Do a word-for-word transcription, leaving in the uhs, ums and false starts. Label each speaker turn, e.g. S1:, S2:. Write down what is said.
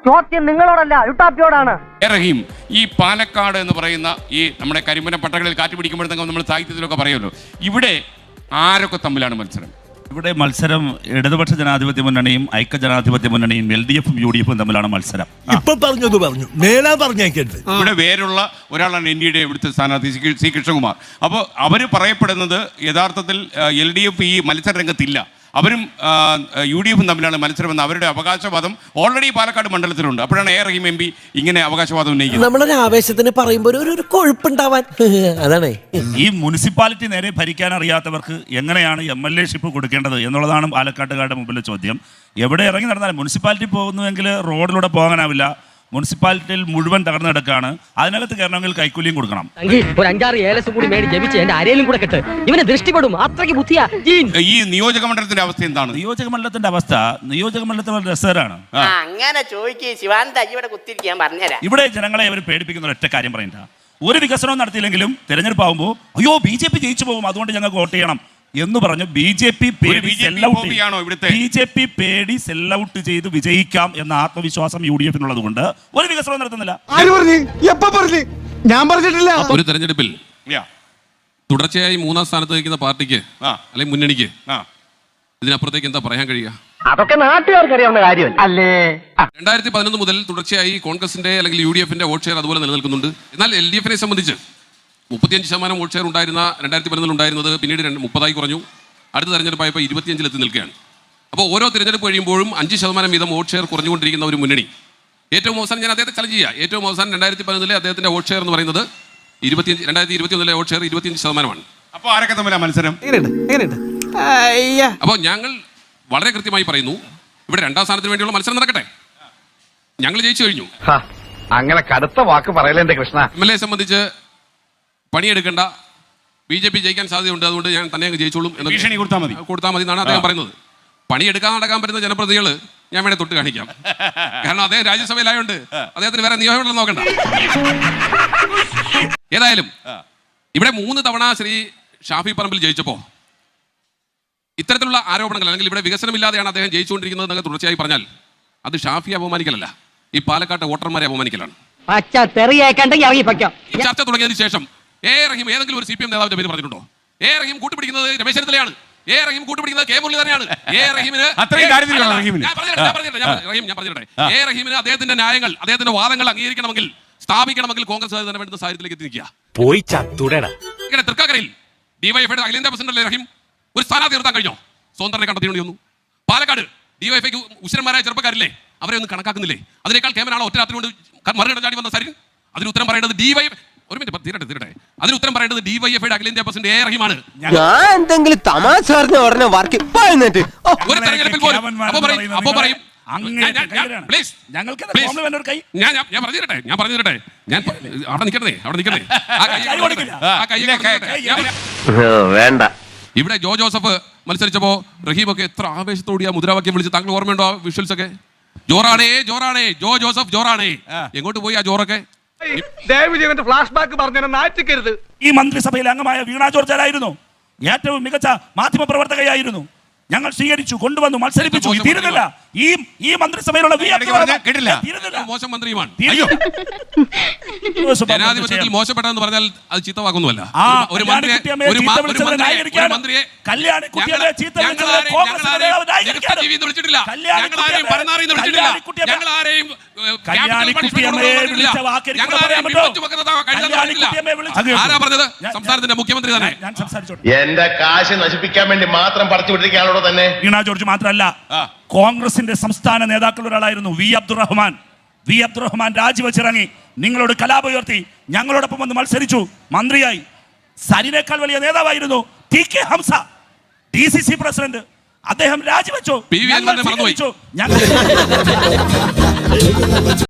S1: ചോദ്യം നിങ്ങളോടല്ല യുട്ടാപ്പിയോടാണ്.
S2: റഹീം, ഈ പാലക്കാട് എന്ന് പറയുന്ന ഈ നമ്മുടെ കരിമ്പന പട്ടകളിൽ കാറ്റ് പിടിക്കുമ്പോഴത്തേക്കും നമ്മൾ സാഹിത്യത്തിലൊക്കെ പറയുമല്ലോ, ഇവിടെ ആരൊക്കെ തമ്മിലാണ് മത്സരം?
S3: ഇവിടെ മത്സരം ഇടതുപക്ഷ ജനാധിപത്യ മുന്നണിയും ഐക്യ ജനാധിപത്യ മുന്നണിയും എൽ ഡി എഫും യു ഡി എഫും തമ്മിലാണ് മത്സരം.
S4: ഇപ്പൊ പറഞ്ഞത് പറഞ്ഞു, മേലാ പറഞ്ഞേക്കരുത്.
S2: ഇവിടെ വേറുള്ള ഒരാളാണ് എൻ ഡി എയുടെ ഇവിടുത്തെ സ്ഥാനാർത്ഥി സി കൃഷ്ണകുമാർ. അപ്പോൾ അവർ പറയപ്പെടുന്നത് യഥാർത്ഥത്തിൽ എൽ ഡി എഫ് ഈ മത്സര രംഗത്തില്ല, അവരും യു ഡി എഫും തമ്മിലാണ് മത്സരമെന്ന് അവരുടെ അവകാശവാദം ഓൾറെഡി പാലക്കാട് മണ്ഡലത്തിലുണ്ട്. അപ്പോഴാണ് എ റഹീം എം പി ഇങ്ങനെ അവകാശവാദം ഉന്നയിക്കുന്നത്.
S5: നമ്മളൊരു ആവേശത്തിന് പറയുമ്പോൾ ഒരു കൊഴുപ്പുണ്ടാവാൻ അതാണ്.
S3: ഈ മുനിസിപ്പാലിറ്റി നേരെ ഭരിക്കാൻ അറിയാത്തവർക്ക് എങ്ങനെയാണ് എം എൽ എ ഷിപ്പ് കൊടുക്കേണ്ടത് എന്നുള്ളതാണ് പാലക്കാട്ടുകാരുടെ മുമ്പിലെ ചോദ്യം. എവിടെ ഇറങ്ങി നടന്നാലും മുനിസിപ്പാലിറ്റി പോകുന്നുവെങ്കിൽ റോഡിലൂടെ പോകാനാവില്ല. മുനിസിപ്പാലിറ്റിയിൽ മുഴുവൻ തകർന്നു കിടക്കാണ്. അതിനകത്ത് കയറണമെങ്കിൽ കൈക്കൂലിയും കൊടുക്കണം.
S1: ഒരു അഞ്ചാറ് ഏലസ് കൂടി മേടി ജപിച്ച് എന്റെ അരയിലും കൂടെ കെട്ട് ഇവനെ ദൃഷ്ടിപ്പെടും. അത്രയ്ക്ക് ബുദ്ധിയാ.
S2: ഈ നിയോജക മണ്ഡലത്തിന്റെ അവസ്ഥ എന്താണ്?
S3: നിയോജക മണ്ഡലത്തിന്റെ അവസ്ഥ നിയോജക മണ്ഡലത്തിൽ രസകരമാണ്.
S6: അങ്ങനെ ചോദിക്കേ ശിവാനന്ദ ഇവിടെ കുത്തിരിക്കാൻ പറഞ്ഞുതരാം.
S3: ഇവിടെ ജനങ്ങളെ അവർ പേടിപ്പിക്കുന്ന ഒറ്റ കാര്യം പറയണ്ട. ഒരു വികസനവും നടത്തിയില്ലെങ്കിലും തെരഞ്ഞെടുപ്പ് ആകുമ്പോൾ അയ്യോ ബി ജെ പി ജയിച്ചു പോകും, അതുകൊണ്ട് ഞങ്ങൾക്ക് വോട്ട് ചെയ്യണം എന്ന് പറഞ്ഞു ബി ജെ പി പേടി ബി ജെ പി പേടി സെല്ലൗട്ട് ചെയ്ത് വിജയിക്കാം എന്ന ആത്മവിശ്വാസം യു ഡി എഫിനുള്ളത് കൊണ്ട് ഒരു വികസനവും നടത്തുന്നില്ല.
S4: ഞാൻ പറഞ്ഞിട്ടില്ല.
S7: ഒരു തെരഞ്ഞെടുപ്പിൽ തുടർച്ചയായി മൂന്നാം സ്ഥാനത്ത് നിൽക്കുന്ന പാർട്ടിക്ക് അല്ലെങ്കിൽ മുന്നണിക്ക് ഇതിനപ്പുറത്തേക്ക് എന്താ പറയാൻ കഴിയുക?
S1: അതൊക്കെ നാട്ടുകാർക്ക് അറിയാവുന്ന കാര്യമല്ല അല്ലേ.
S7: രണ്ടായിരത്തി പതിനൊന്ന് മുതൽ തുടർച്ചയായി കോൺഗ്രസിന്റെ അല്ലെങ്കിൽ യു ഡി എഫിന്റെ വോട്ട് ഷെയർ അതുപോലെ നിലനിൽക്കുന്നുണ്ട്. എന്നാൽ എൽ ഡി എഫിനെ സംബന്ധിച്ച് മുപ്പത്തിയഞ്ച് ശതമാനം വോട്ട് ഷെയർ ഉണ്ടായിരുന്ന രണ്ടായിരത്തി പതിനൊന്നിൽ ഉണ്ടായിരുന്നത് പിന്നീട് മുപ്പതായി കുറഞ്ഞു. അടുത്ത തെരഞ്ഞെടുപ്പായപ്പോൾ ഇരുപത്തിയഞ്ചിലെത്തി നിൽക്കുകയാണ്. അപ്പോൾ ഓരോ തിരഞ്ഞെടുപ്പ് കഴിയുമ്പോഴും അഞ്ച് ശതമാനം വീതം വോട്ട് ഷെയർ കുറഞ്ഞുകൊണ്ടിരിക്കുന്ന ഒരു മുന്നണി. ഏറ്റവും അവസാനം ഞാൻ അദ്ദേഹത്തെ ചലഞ്ച് ചെയ്യാം. ഏറ്റവും അവസാനം രണ്ടായിരത്തി പതിനൊന്നിലെ അദ്ദേഹത്തിന്റെ വോട്ട് ഷെയർ എന്ന് പറയുന്നത് ഇരുപത്തിയഞ്ച് രണ്ടായിരത്തി ഇരുപത്തി ഒന്നിലെ വോട്ട് ഷെയർ ഇരുപത്തിയഞ്ച് ശതമാനമാണ്.
S2: അപ്പോൾ ആരൊക്കെ തമ്മിലാണ് മത്സരം?
S7: അപ്പോൾ ഞങ്ങൾ വളരെ കൃത്യമായി പറയുന്നു, ഇവിടെ രണ്ടാം സ്ഥാനത്തിന് വേണ്ടിയുള്ള മത്സരം നടക്കട്ടെ. ഞങ്ങൾ ജയിച്ചു കഴിഞ്ഞു.
S8: അങ്ങനെ കടുത്ത വാക്ക് പറയലെന്റെ കൃഷ്ണ.
S7: എം എൽ എ സംബന്ധിച്ച് പണിയെടുക്കേണ്ട, ബി ജെ പി ജയിക്കാൻ സാധ്യതയുണ്ട്, അതുകൊണ്ട് ഞാൻ തന്നെ അങ്ങ് ജയിച്ചോളും എന്ന്
S2: ഭീഷണി കൊടുത്താൽ മതി
S7: കൊടുത്താൽ മതി എന്നാണ് അദ്ദേഹം പറയുന്നത്. പണിയെടുക്കാൻ നടക്കാൻ പറ്റുന്ന ജനപ്രതികൾ ഞാൻ വേണേ തൊട്ട് കാണിക്കാം. കാരണം അദ്ദേഹം രാജ്യസഭയിലായോണ്ട് അദ്ദേഹത്തിന് വേറെ നിയമങ്ങളൊന്നും നോക്കണ്ട. ഏതായാലും ഇവിടെ മൂന്ന് തവണ ശ്രീ ഷാഫി പറമ്പിൽ ജയിച്ചപ്പോ ഇത്തരത്തിലുള്ള ആരോപണങ്ങൾ അല്ലെങ്കിൽ ഇവിടെ വികസനമില്ലാതെയാണ് അദ്ദേഹം ജയിച്ചുകൊണ്ടിരിക്കുന്നത് എന്നൊക്കെ തുടർച്ചയായി പറഞ്ഞാൽ അത് ഷാഫിയെ അപമാനിക്കലല്ല, ഈ പാലക്കാട്ടെ വോട്ടർമാരെ അപമാനിക്കലാണ്. ചർച്ച തുടങ്ങിയതിനു ശേഷം എ റഹീം ഏതെങ്കിലും ഒരു സി പി എം നേതാവിന്റെ പേര് പറഞ്ഞിട്ടുണ്ടോ? എ റഹീം കൂട്ടുപിടിക്കുന്നത് രമേശ് ചെന്നിത്തലയാണ്. എ റഹീം കൂട്ടുപിടിക്കുന്നത് കെ മുരളി തന്നെയാണ്. എ റഹീമിന് എ റഹീമിന് അദ്ദേഹത്തിന്റെ ന്യായങ്ങൾ അദ്ദേഹത്തിന്റെ വാദങ്ങൾ അംഗീകരിക്കണമെങ്കിൽ സ്ഥാപിക്കണമെങ്കിൽ കോൺഗ്രസ് തന്നെ വേണ്ടുന്ന സാഹചര്യത്തിലേക്ക് എത്തി നിൽക്കുക.
S4: പോയി ചത്തുടേടാ.
S7: ഇങ്ങനെ തൃക്കാക്കരയിൽ ഡിവൈഎഫ്ഐയുടെ അഖിലേന്ത്യാ പ്രസിഡന്റ് റഹീം ഒരു സ്ഥാനാർത്ഥി നിർത്താൻ കഴിഞ്ഞോ? സ്വതന്ത്രനെ കണ്ടെത്തിയേണ്ടി വന്നു. പാലക്കാട് ഡിവൈഎഫ്ഐക്ക് ഉശരന്മാരായ ചെറുപ്പക്കാരില്ലേ, അവരെ ഒന്നും കണക്കാക്കുന്നില്ലേ? അതിനേക്കാൾ കേമനാണോ ഒറ്റ രാത്രി കൊണ്ട് മറുകട ചാടി വന്ന സരിൻ? അതിന് ഉത്തരം പറയേണ്ടത് ഡിവൈ ഒരു മിനിറ്റ് തീരട്ടെ തീരട്ടെ അതിന് ഉത്തരം പറയേണ്ടത് ഡിവൈഎഫ്ഐയുടെ അഖിലേന്ത്യാ പ്രസിഡന്റ് എ റഹീമാണ്.
S5: ഞാൻ എന്തെങ്കിലും തമാശ പറഞ്ഞ ഉടനെ വർക്ക്
S7: ഒരു തെരഞ്ഞെടുപ്പിൽ പോലും അപ്പൊ പറയും അപ്പൊ പറയും ഞാൻ പറഞ്ഞു തരട്ടെ ഞാൻ പറഞ്ഞു തരട്ടെ ഞാൻ അവിടെ നിൽക്കണേ അവിടെ നിൽക്കണേ
S8: വേണ്ട.
S7: ഇവിടെ ജോ ജോസഫ് മത്സരിച്ചപ്പോ റഹീമൊക്കെ എത്ര ആവേശത്തോടെ ആ മുദ്രാവാക്യം വിളിച്ച് താങ്കൾ ഓർമ്മയുണ്ടോ? ആ വിഷ്വൽസ് ഒക്കെ ജോറാണേ ജോറാണേ ജോ ജോസഫ് ജോറാണേ. എങ്ങോട്ട് പോയി ആ ജോറൊക്കെ?
S8: Flash back പറഞ്ഞിരുത്.
S3: ഈ മന്ത്രിസഭയിലെ അംഗമായ വീണ ജോർജ് ആയിരുന്നു ഏറ്റവും മികച്ച മാധ്യമ പ്രവർത്തകയായിരുന്നു. ഞങ്ങൾ സ്വീകരിച്ചു, കൊണ്ടുവന്നു, മത്സരിപ്പിച്ചു. തീരുന്നില്ല. ഈ ഈ മന്ത്രിസഭയിലുള്ള
S7: മോശം മന്ത്രിയുമാണ്. ജനാധിപത്യത്തിൽ മോശപ്പെട്ടതെന്ന് പറഞ്ഞാൽ അത് ചീത്തവാക്കൊന്നുമല്ല. ഒരു മന്ത്രിയെ വിളിച്ചിട്ടില്ല, ഞങ്ങളാരെയും പരനാറിന്ന് വിളിച്ചിട്ടില്ല, ഞങ്ങളാരെയും ആരാ പറഞ്ഞത്? സംസ്ഥാനത്തിന്റെ മുഖ്യമന്ത്രി തന്നെ.
S8: എന്റെ കാശ് നശിപ്പിക്കാൻ വേണ്ടി മാത്രം പറിച്ചു വിട്ടിരിക്കുകയാണോ തന്നെ?
S3: വീണ ജോർജ് മാത്രമല്ല, കോൺഗ്രസിന്റെ സംസ്ഥാന നേതാക്കളിൽ ഒരാളായിരുന്നു വി അബ്ദുറഹ്മാൻ. വി അബ്ദുറഹ്മാൻ രാജിവെച്ചിറങ്ങി നിങ്ങളോട് കലാപം ഉയർത്തി ഞങ്ങളോടൊപ്പം വന്ന് മത്സരിച്ചു, മന്ത്രിയായി. സരിനേക്കാൾ വലിയ നേതാവായിരുന്നു T K Hamsa, D C C president. അദ്ദേഹം രാജിവെച്ചു.
S7: ഞങ്ങൾ